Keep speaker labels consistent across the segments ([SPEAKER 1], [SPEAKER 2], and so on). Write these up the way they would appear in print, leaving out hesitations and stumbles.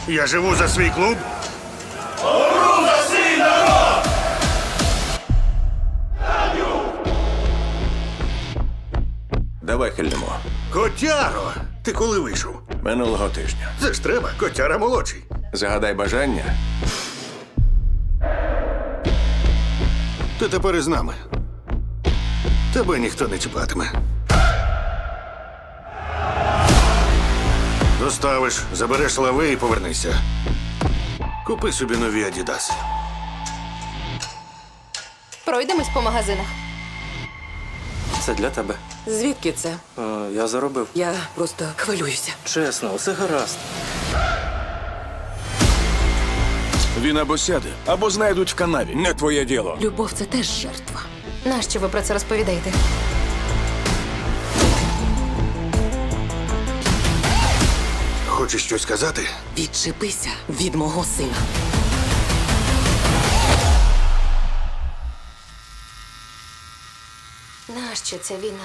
[SPEAKER 1] Я живу за свій клуб.
[SPEAKER 2] Давай хильнемо.
[SPEAKER 1] Котяро! Ти коли вийшов?
[SPEAKER 2] Минулого тижня.
[SPEAKER 1] Це ж треба, котяра молодший.
[SPEAKER 2] Загадай бажання.
[SPEAKER 1] Ти тепер із нами. Тебе ніхто не чіпатиме. Доставиш, забереш лави і повернися. Купи собі нові Адідаси.
[SPEAKER 3] Пройдемось по магазинах.
[SPEAKER 4] Це для тебе.
[SPEAKER 5] Звідки це?
[SPEAKER 4] Я заробив.
[SPEAKER 5] Я просто хвилююся.
[SPEAKER 4] Чесно, усе гаразд.
[SPEAKER 6] Він або сяде, або знайдуть в канаві. Не твоє діло.
[SPEAKER 5] Любов це теж жертва.
[SPEAKER 3] Нащо ви про це розповідаєте?
[SPEAKER 1] Хочеш щось сказати?
[SPEAKER 5] Відчепися від мого сина.
[SPEAKER 3] Нащо ця війна?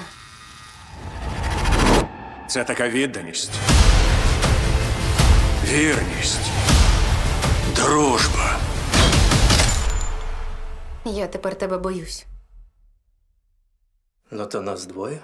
[SPEAKER 6] Це така відданість. Вірність. Дружба.
[SPEAKER 3] Я тепер тебе боюсь.
[SPEAKER 4] Ну то нас двоє.